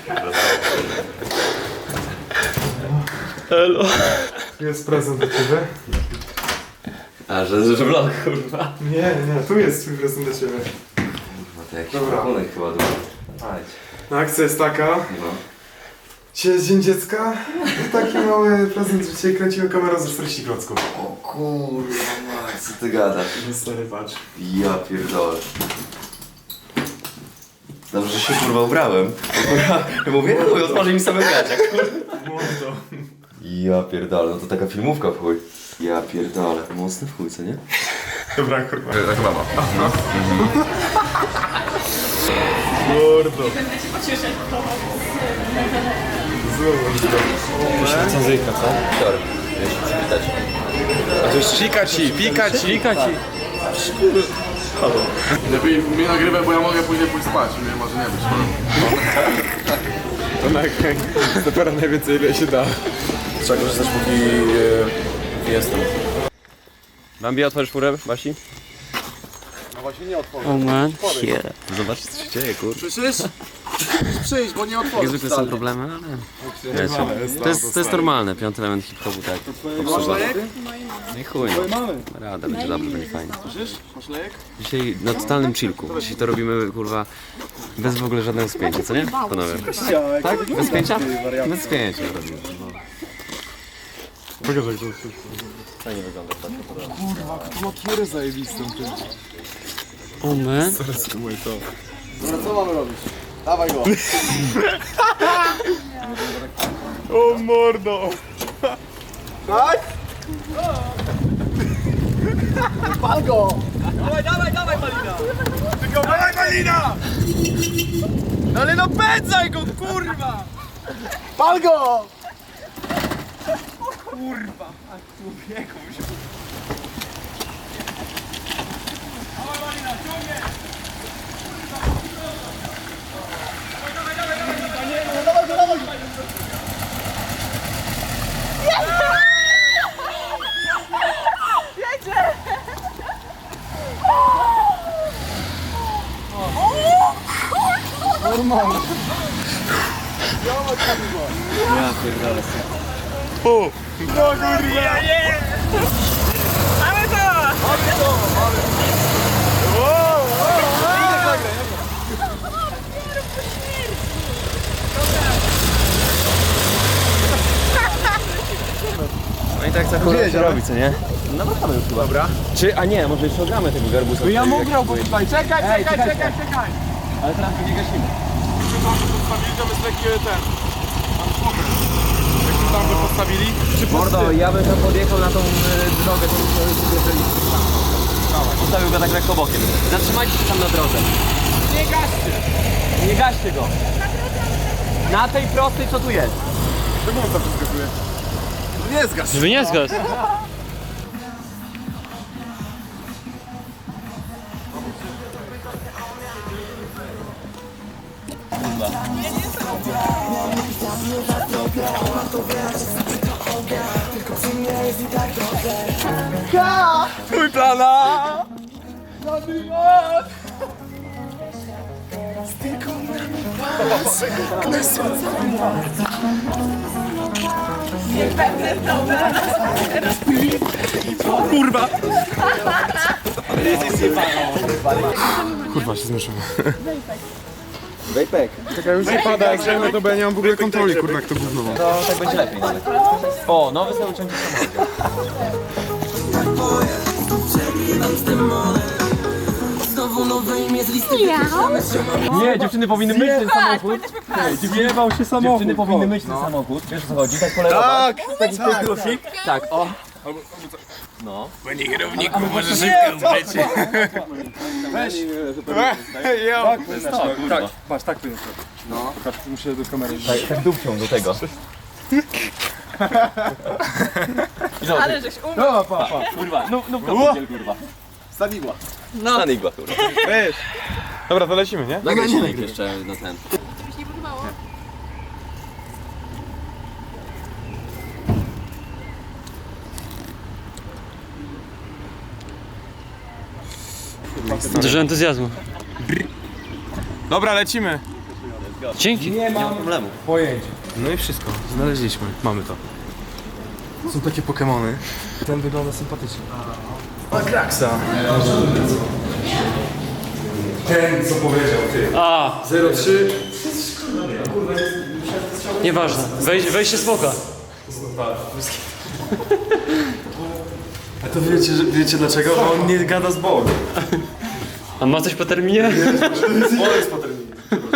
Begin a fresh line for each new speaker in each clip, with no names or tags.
Elo.
Tu jest prezent dla ciebie.
A, że vlog, kurwa.
Nie, tu jest twój prezent dla ciebie.
No to jakiś
Dobra.
pakunek chyba dwa. Chodź.
No, akcja jest taka.
No.
Dzisiaj jest Dzień Dziecka. I taki mały prezent, że dzisiaj kręcimy kamerą ze 40 klocków.
O kurwa, Max, co ty gadasz?
No stary, patrz.
Ja pierdolę. Dobrze, że się kurwa ubrałem. Kurwa, mówię, chuj, otworzy mi same gacia, kurwa.
Mordo.
Ja pierdolę, no to taka filmówka w chuj. Ja pierdolę, mocny w chuj, co nie?
Dobra, kurwa.
Tak mama.
Mordo.
Będę cię pocieszać.
Cenzyjka, co?
Tor, wiesz, przywitać.
A to jest pika ci.
Lepiej mnie nagrywaj, bo ja mogę później pójść spać, mnie może nie być.
To nagrań. Dopiero najwięcej ile się da. Trzeba korzystać póki jestem. Bambi, otworzysz furę, Basi?
No właśnie nie otworzę.
Oh man,
Zobaczcie, co się dzieje, kurwa.
Przecież przyjdź, bo nie otworzę.
Jak zwykle są problemy, ale... To jest normalne, piąty element hip-hopu, tak. Obsługa. No i chuj, rada, będzie dobrze, będzie fajnie.
Słyszysz? Masz lejek?
Dzisiaj na totalnym chillku. Dzisiaj to robimy, kurwa, bez w ogóle żadnego spięcia, co nie? Panowie. Tak? Bez spięcia? Bez spięcia robimy.
Makierę zajebistą tym.
Oh man.
Dobra, co mamy robić? Dawaj go.
O mordo.
Tak? Pal go!
Dawaj, Malina!
No ale no pędzaj go, kurwa! Pal go!
No i tak za chwilę się robi, co nie? No mamy już chyba. Dobra. Czy, a nie, może jeszcze ogramy tego garbusa.
No ja mu grał, bo tutaj. Czekaj!
Ale teraz go nie gasimy.
Postawili, to jest lekkie ten. Tam smoker. Jak tam by postawili? Czy
Mordo, ja bym tam podjechał na tą drogę, to jeżeli... Postawił go tak lekko bokiem. Zatrzymajcie się tam na drodze. Nie gaście! Nie gaście go! Na tej prostej, co tu jest?
Czemu on tam wyskakuje?
Nie zgasz.
Żeby nie zgasł.
Mój plana! Kurwa!
Kurwa, się zmieszyłem.
Wejpek.
Czekaj, już nie pada, jak zajmę to, bo ja nie mam w ogóle kontroli, kurwa, jak to gówno ma.
To tak będzie lepiej nawet. O, nowy sobie uciągnie samochód. Nie, dziewczyny powinny myć ten samochód.
Zjebał się samochód.
Dziewczyny powinny myć ten samochód. Wiesz o co chodzi? Tak polerować. Taki plusik. Tak, o. No.
Panie kierowniku, może szybko umrzeć.
Weź!
Tak, patrz, tak to jest. No. Pokaż, muszę do kamery.
Tak dupcią do tego.
Ale żeś umył.
No, pa.
Kurwa, no podziel, kurwa.
Staniła.
No. Sanigła, kurwa.
Weź. Dobra, to lecimy, nie?
Nagraj silnik jeszcze na ten.
Mi się nie podobało.
Dużo entuzjazmu.
Dobra, lecimy.
Dzięki, nie ma problemu.
Pojęcie. No i wszystko, znaleźliśmy, mamy to. Są takie Pokemony. Ten wygląda sympatycznie. Ma Kraksa. Ten, co powiedział, ty.
A,
03.
nieważne. Wejście smoka.
A to wiecie dlaczego? Bo on nie gada z Bogiem.
A ma coś po terminie?
Bolek jest po terminie.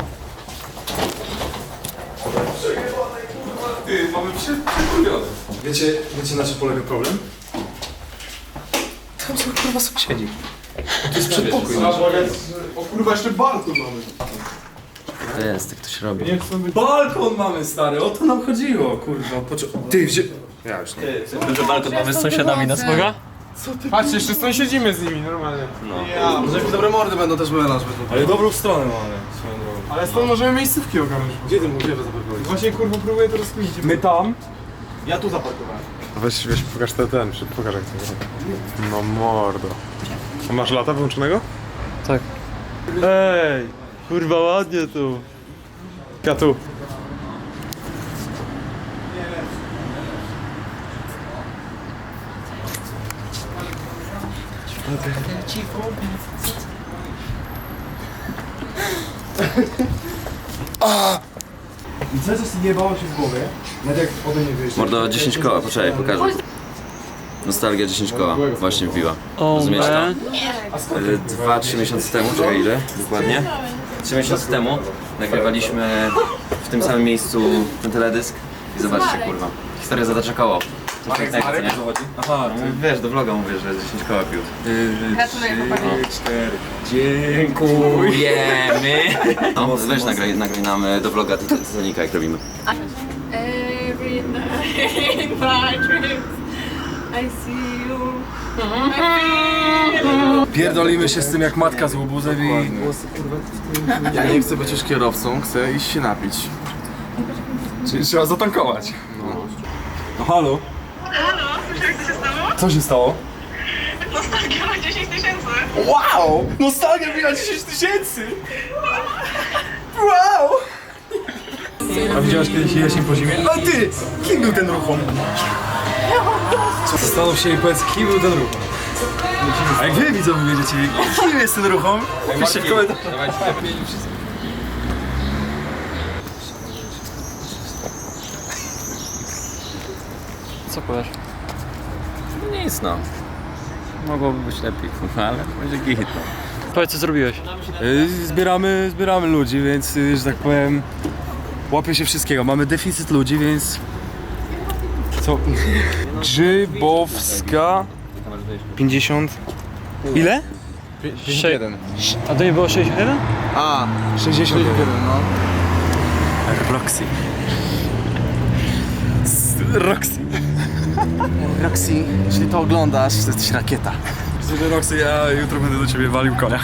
Ty, mamy przekurwione. Wiecie na czym polega problem? Tam są kurwa sąsiedzi. To jest przedpokój.
O kurwa, jeszcze balkon mamy.
To jest, tak to się robi.
Nie chcę być...
Balkon mamy, stary, o to nam chodziło, kurwa. Ty, ja już nie.
Że balkon mamy z sąsiadami na smoga?
Patrzcie, jeszcze sąsiedzimy z nimi, normalnie.
Może jakieś dobre mordy będą też melanż. Ale dobrą stronę mamy, swoją drogą.
Ale stąd możemy miejscówki ogarnąć.
Gdzie ty mówisz, że zaparkować?
Właśnie kurwa próbuję to rozkminić.
My tam.
Ja tu zaparkowałem.
Weź pokaż ten, pokaż jak to jest. No mordo. A masz lata wyłączonego?
Tak. Ej, kurwa ładnie tu.
Ja tu.
I co jest jebało się w głowie? Nawet jak ode mnie wyjść.
Mordo, 10 koła, poczekaj, pokażę. Nostalgia 10 koła, właśnie wbiła.
O,
Rozumiesz to?
man.
2-3 miesiące temu, czekaj ile? Dokładnie? 3 miesiące temu nagrywaliśmy w tym samym miejscu ten teledysk i zobaczcie kurwa. Historia zatacza koło. Coś pięknego, co nie? Aha, wiesz, do vloga mówię, że 10 koła pił.
Gratuluję chłopaki.
Dziękujemy! No, weź nagraj nam do vloga Titanica, jak robimy.
Every night in my dreams I see you.
Pierdolimy się z tym jak matka z łobuzem i...
Ja nie chcę być już kierowcą, chcę iść się napić.
Czyli trzeba zatankować. No halo?
Halo, słyszałeś co się stało?
Co się stało?
Nostalgia ma 10 000.
Wow! Nostalgia biła 10 000! Wow! A widziałaś kiedyś jaśń po zimie? A ty! Kim był ten ruchom? Zastanów się i powiedz, kim był ten ruchom. A jak wy widzowie wiedziecie, kim jest ten ruchom? Piszcie w komentarzach.
Co powiesz?
Nic no. Mogłoby być lepiej, ale będzie git.
Powiedz, co zrobiłeś.
Zbieramy ludzi, więc, że tak powiem, łapie się wszystkiego. Mamy deficyt ludzi, więc... Co? Grzybowska... 50... Ile?
51. A to nie było 61?
A,
61.
no.
Roxy. Roxy.
Roxy, jeśli to oglądasz, to jesteś rakieta.
Słuchaj Roxy, ja jutro będę do ciebie walił konia.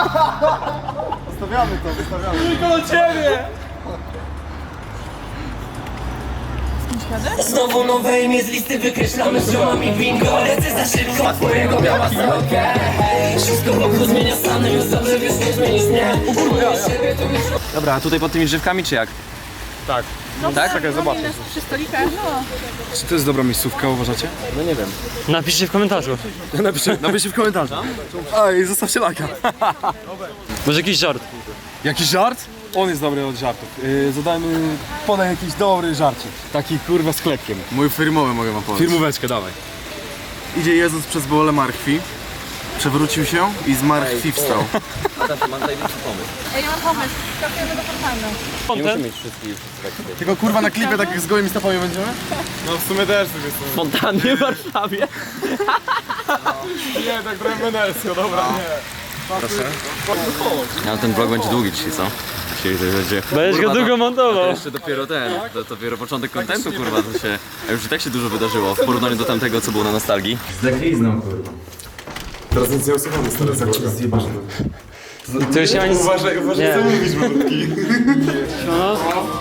Znowu nowe imię z listy wykreślamy z ziomami bingo. Lecę za szybko, a twojego miała strokę. Wszystko wokół zmienia stany, już dobrze wiesz, nie zmienisz mnie. Siebie to już...
Dobra, a tutaj pod tymi drzewkami czy jak?
Tak? Czekaj, zobaczę. Przy stolikach, no.
Czy to jest dobra miejscówka, uważacie?
Napiszcie w komentarzu.
Napiszcie w komentarzu. A i zostawcie lajka.
Może jakiś żart.
Jakiś żart? On jest dobry od żartów. Podaj jakiś dobry żarcik. Taki kurwa z klepkiem.
Mój firmowy mogę wam powiedzieć.
Firmóweczkę, dawaj.
Idzie Jezus przez bolę martwi, przewrócił się i z martwi wstał.
Mam największy pomysł.
Ej, ja mam pomysł. Skakujemy do fontanny.
Content?
Musimy mieć wszystkich.
Tylko kurwa na klipie tak z gołymi stopami będziemy?
No w sumie też coś jest.
Fontannie w Warszawie.
Nie, tak trochę wenersjo, dobra, nie.
Ja, ten vlog będzie długi dzisiaj, co? Dzisiaj to będzie...
Będziesz go
Kurwa,
długo
to
montował.
jeszcze dopiero to dopiero początek kontentu, kurwa, to się... A już i tak się dużo wydarzyło w porównaniu do tamtego, co było na nostalgii.
Teraz nic nie osobamy, stary, zjebane.
To już nie ma nic...
Uważaj,
Nie.
co mówisz, malutki.
No.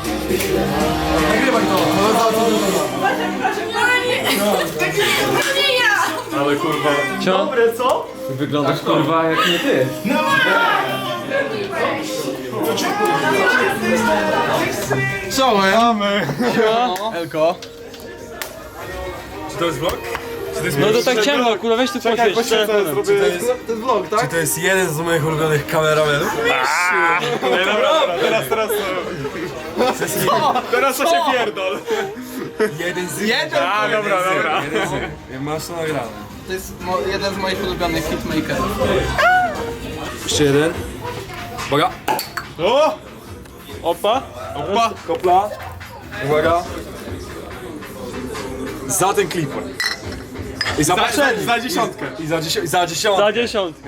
Nie ja!
Ale kurwa...
Co?
Wyglądasz kurwa jak nie ty.
Elko.
Czy to jest vlog?
No to tak ciemno, kurwa, weź tu poświeć.
To jest vlog, tak?
Czy to jest jeden z moich ulubionych kameramenów?
Teraz to się pierdol.
Jeden z
A, dobra.
Masz to nagrane.
To jest jeden z moich ulubionych hitmakerów.
Jeszcze jeden. Uwaga.
O! Opa!
Kopla. Uwaga. Za ten klip. I za poprzedni.
Za dziesiątkę.
I za dziesiątkę.
Za dziesiątkę.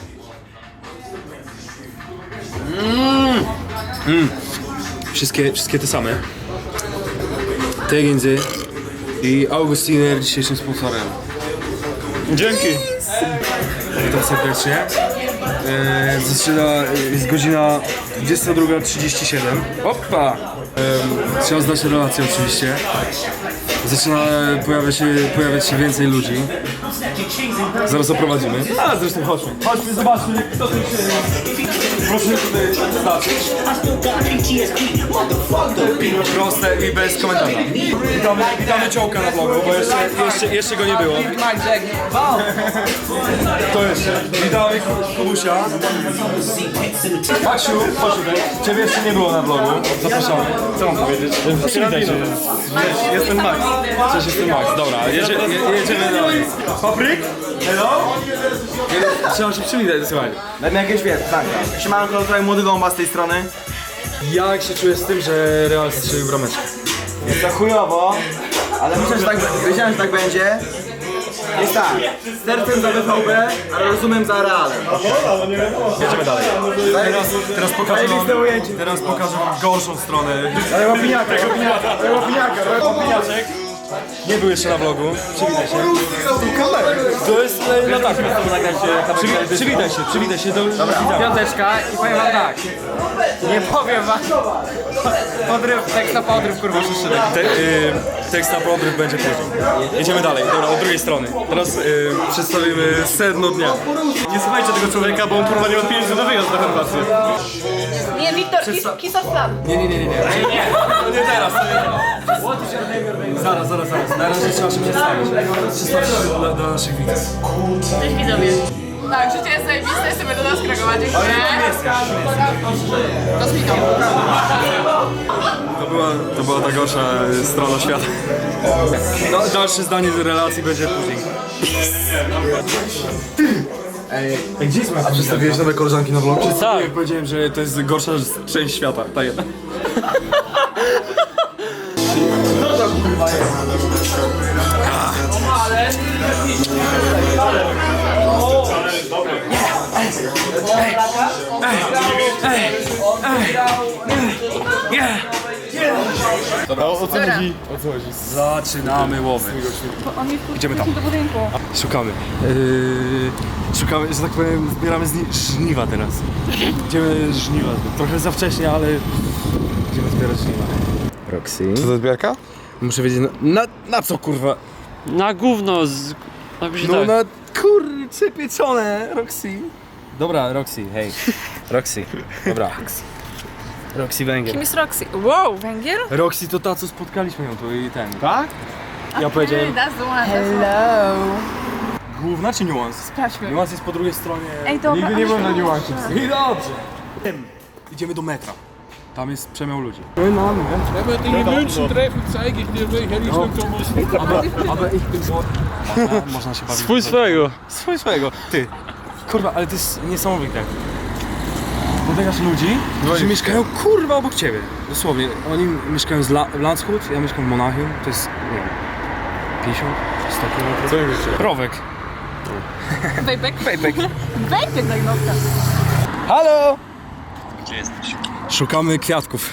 Wszystkie te same. Tegenzy i Augustiner dzisiejszym sponsorem.
Dzięki.
Witam serdecznie. Jest godzina 22:37. Opa! Trzeba znać relacje oczywiście. Zaczyna pojawiać się więcej ludzi. Zaraz oprowadzimy. A zresztą chodźmy. Chodźmy, zobaczmy kto tu się... Proszę tutaj zobaczyć. Proste i bez komentarza. Witamy Ciołka na vlogu, bo jeszcze go nie było. To jeszcze. Witamy Kubusia. Maksiu, chodź tutaj. Ciebie jeszcze nie było na vlogu. Zapraszamy. Co mam powiedzieć? Przywitaj się. Jestem Max. Cześć, jestem Max. Dobra, jedziemy dalej. Papryk? Hello? Trzeba się przywitać, słuchaj.
Dajmy jakieś tak. Siemanko, tutaj młody Gąba z tej strony.
Jak się czujesz z tym, że Real strzelił brameczkę?
Jest to chujowo, ale wiedziałem, że tak będzie. Jest tak, sercem za BVB, ale rozumiem za Realem.
Jedziemy dalej. Teraz pokażę wam gorszą stronę.
Ale łapiniaka.
Nie był jeszcze na vlogu. Przywitaj się. To jest latarka. Przywitaj się do widza.
Piąteczka i powiem wam tak. Nie powiem wam. Tekst na podryw, kurwa, szyszydek.
Tekst na podryw będzie później. Jedziemy dalej, dobra, od drugiej strony. Teraz przedstawimy sedno dnia.
Nie słuchajcie tego człowieka, bo on kurwa nie ma pieniędzy na wyjazd na Chorwację.
Nie, Wiktor, kiss of love.
Nie. Nie teraz. Zaraz. Na razie trzeba się przedstawić. Przedstawić się dla naszych widzów.
Cześć widzowie. Tak, życie jest zajebiste, sobie do nas Krakowa, dziękuję. To zmienią.
To była ta gorsza strona świata. Dalsze zdanie z relacji będzie później. Gdzie jest moja? A przedstawiłeś nowe koleżanki na vlogu?
Tak.
Jak powiedziałem, że to jest gorsza część świata, ta jedna.
Dobra, o co chodzi?
Zaczynamy łowy. Idziemy tam.
Do budynku.
Szukamy, że tak powiem, zbieramy żniwa teraz. Idziemy żniwa. Trochę za wcześnie, ale idziemy zbierać żniwa. Roxy.
Co to zbiarka?
Muszę wiedzieć, na co kurwa?
Na gówno z... Napisz
No
tak.
na kurcze pieczone, Roxy. Dobra, Roxy, hej. Roxy, dobra. Roxy Węgier.
Kim jest Roxy? Wow, Węgier?
Roxy to ta, co spotkaliśmy ją tu i ten. Tak? Ja powiedziałem,
That's the one. Hello.
główna czy niuans?
Sprawdźmy.
Niuans jest po drugiej stronie.
Ej, dobra.
Nigdy nie byłem na niuansie.
I dobrze. Idziemy do metra. Tam jest przemiał ludzi. Aber ich bin so... Można się bawić.
Swój swojego.
Ty. Kurwa, ale to jest niesamowite. Spotykasz ludzi, którzy mieszkają kurwa obok ciebie. Dosłownie. Oni mieszkają w Landshut, ja mieszkam w Monachium. To jest, nie wiem, 50, 100 km.
Co mówicie?
Rowek.
Wejpek.
Wejpek.
Wejpek na gnocka.
Halo!
Gdzie jesteś?
Szukamy kwiatków.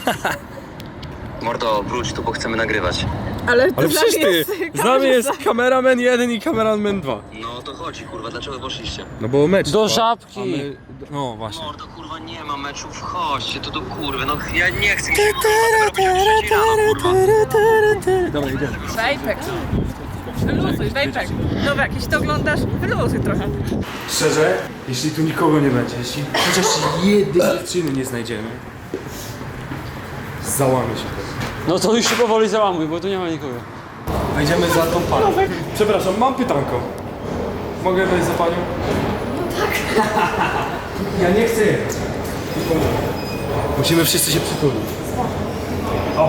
Mordo, wróć tu, bo chcemy nagrywać.
Ale
przecież ty, z nami jest kameraman 1 i kameraman 2.
No to chodzi, kurwa, dlaczego poszliście?
No bo mecz.
Do
trwa,
żabki.
a my- No właśnie.
Mordo, kurwa, nie ma meczów, chodźcie tu do kurwy, no ja nie chcę mi się kurwa, robić o 3 rano, kurwa.
Dobra, idziemy.
Wejpek. Wyluzuj, Wejpek. Dobra, jeśli to oglądasz, wyluzuj trochę.
Szczerze, jeśli tu nikogo nie będzie, jeśli chociaż jednej dziewczyny nie znajdziemy, załamie się to.
No to już się powoli załamuj, bo tu nie ma nikogo.
Wejdziemy za tą panią. Przepraszam, mam pytanko. Mogę wejść za panią? No tak. Ja nie chcę jechać. Musimy wszyscy się przytulić. O!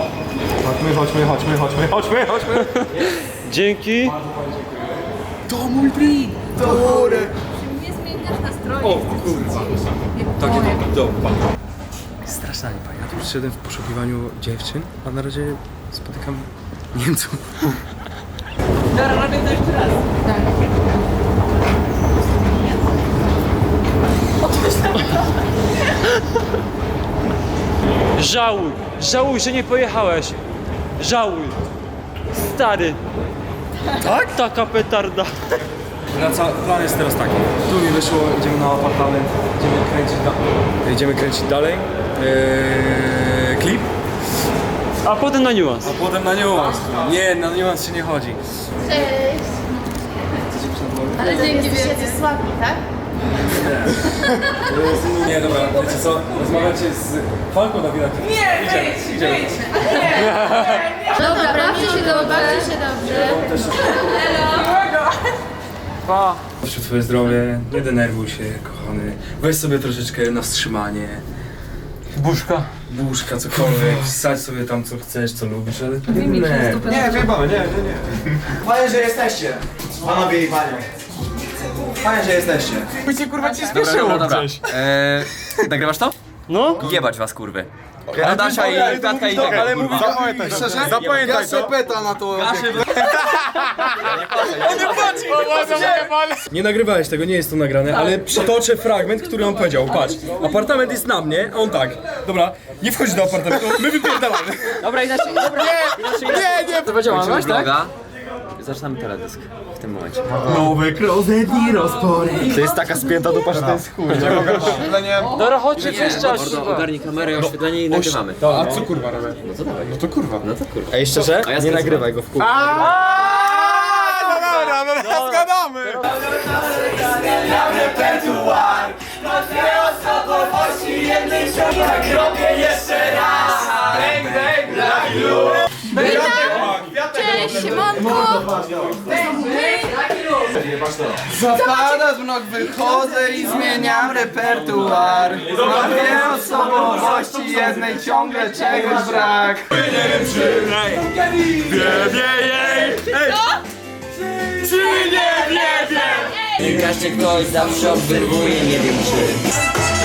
Chodźmy.
Dzięki.
To mój blik! To góry!
Nie zmieniasz nastroju.
O kurwa. Takie to. Straszna nie pani. Ja tu przyszedłem w poszukiwaniu dziewczyn, a na razie spotykam Niemców.
Dobra, robię to jeszcze raz.
Żałuj, że nie pojechałeś. Żałuj. Stary. Tak? Taka petarda.
Plan jest teraz taki. Tu mi wyszło, idziemy na apartament, idziemy kręcić dalej. Klip.
A potem na niuans.
A potem na niuans. Nie, na niuans się nie chodzi.
Cześć. Ale dzięki wielkie.
słabi, tak?
Nie, dobra, wiecie co? Rozmawiacie z Falką na widok.
Nie, wyjdź.
Dobra, bawcie się dobrze.
Pa.
Proszę twoje zdrowie, nie denerwuj się, kochany. Weź sobie troszeczkę na wstrzymanie. Buszka, cokolwiek. Wsadź sobie tam co chcesz, co lubisz, ale
Nie, wyjebamy, nie. Fajnie, że jesteście. Panowie i panie. Fajnie, że jesteście.
Dobra. Nagrywasz to?
No?
Jebać was, kurwy. Adasia i Katka i tego,
Ale
kurwa.
mówię, szczerze, zapamiętaj to.
peta na to.
Nie nagrywałeś tego, nie jest to nagrane, ale przytoczę fragment, który on powiedział. Patrz, apartament jest na mnie, a on tak. Dobra, nie wchodź do apartamentu, my wypierdalamy.
Dobra, inaczej.
Nie.
To będzie działalność, tak?
Vloga. Zaczynamy teledysk w tym momencie.
To jest taka spięta dupa, że to jest chuj.
Dobra, chodźcie, coś czas.
Mordo, ogarnij kamerę, oświetlenie i nagrywamy.
A co kurwa robię?
No to dawaj.
No to kurwa.
No to kurwa.
Ej, szczerze?
A ja
Nie nagrywaj go w kółko.
Dobra, zgadamy!
Cześć, siemanko.
Zapada z nóg wychodzę i zmieniam repertuar. Mam dwie osobowości, jednej ciągle czegoś brak.
Nie każdy ktoś zawsze obserwuje, nie wiem czy.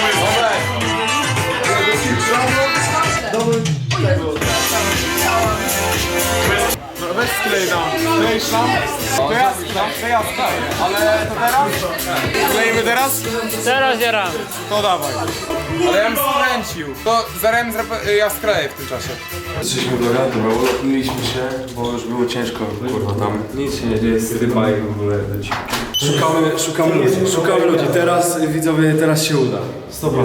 Weź sklej tam. Skleisz tam? To ja skleję. Ale to teraz? Skleimy teraz?
Teraz jaram.
To dawaj. Ale ja bym skręcił. To zaraz ja skleję w tym czasie.
Jesteśmy vloga, dobra, ulotniliśmy się, bo już było ciężko, kurwa, tam. Nic się nie dzieje, stypa i w ogóle leci. Szukamy ludzi, teraz, widzowie, teraz się uda. 100%.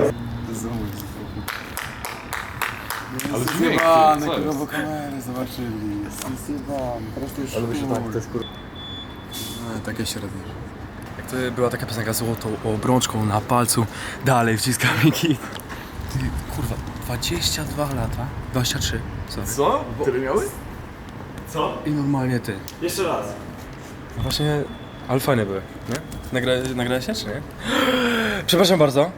Ale zjebane, kurwa, bo kamery zobaczyli. Zjebane, teraz to już to jest kurwa.
Takie średnie. Jak to była taka piosenka złotą obrączką na palcu, dalej wciskamy kit. Ty, kurwa, 22 lata, 23, sorry.
Co? Tyle miały?
I normalnie ty.
Jeszcze raz.
No właśnie, ale fajne były, nie? Nagrałeś się, czy nie? Przepraszam bardzo.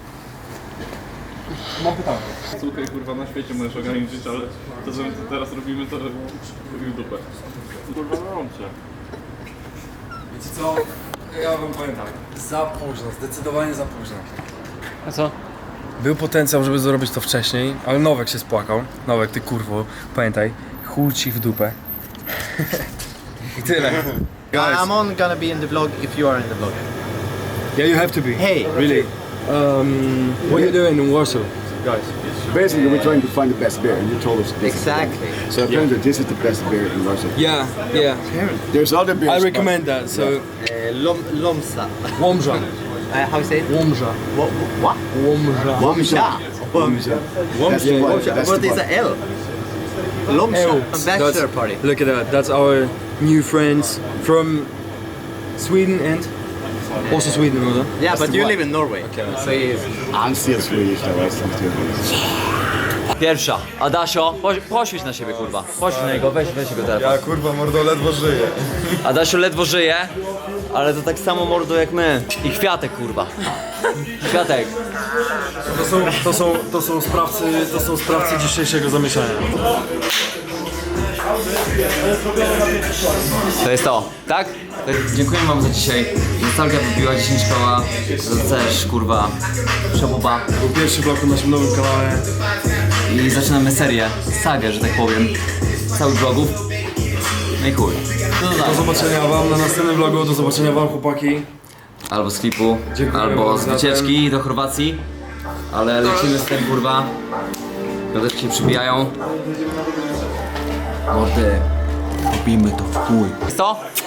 Mam pytanie. Słuchaj, kurwa, na świecie możesz ograniczyć, ale to, że my to teraz robimy, to robimy dupę. Kurwa, na rącze.
Wiecie co? Ja wam powiem tak, za późno, zdecydowanie za późno.
A co?
Był potencjał, żeby zrobić to wcześniej, ale Nowek się spłakał. Nowek, ty kurwo, pamiętaj, chuj ci w dupę. I tyle.
I'm on gonna be in the vlog if you are in the vlog.
Yeah, you have to be.
Hey.
Really. What are you doing in Warsaw, guys?
Basically, we're trying to find the best beer, and you told us this.
Exactly.
So apparently, this is the best beer in Russia.
Yeah, yeah.
There's other beers.
I recommend that. So,
Lomsa.
Łomża.
How you say it?
Łomża.
What?
Łomża.
Łomża.
Łomża.
That's the one. That's
What
the
is
one.
the L?
Bachelor party. Look at that. That's our new friends from Sweden and also Sweden, oder?
Yeah, but you live in Norway. Okay. So
I'm still Swedish, though. I'm still Swedish.
Pierwsza. Adasio, poświeć na siebie, kurwa. Poświeć na niego, weź jego telefon.
Ja kurwa mordo ledwo żyję.
Adasio ledwo żyje, ale to tak samo mordo jak my. I Kwiatek, kurwa. Kwiatek.
To są sprawcy dzisiejszego zamieszania.
To jest to, tak?
Dziękuję wam za dzisiaj. Nostalgia wybiła 10 koła. To też, kurwa, przebuba.
Był pierwszy vlog na naszym nowym kanale.
I zaczynamy serię, sagę, że tak powiem, całych vlogów. No i chuj.
Do zobaczenia wam na następnym vlogu, do zobaczenia wam, chłopaki.
Albo z klipu,
Dziękuję
albo
bardzo
z
za
wycieczki do Chorwacji. Ale lecimy z tym, kurwa. Piąteczki się przybijają. Mordy, robimy to w chuj.
Co?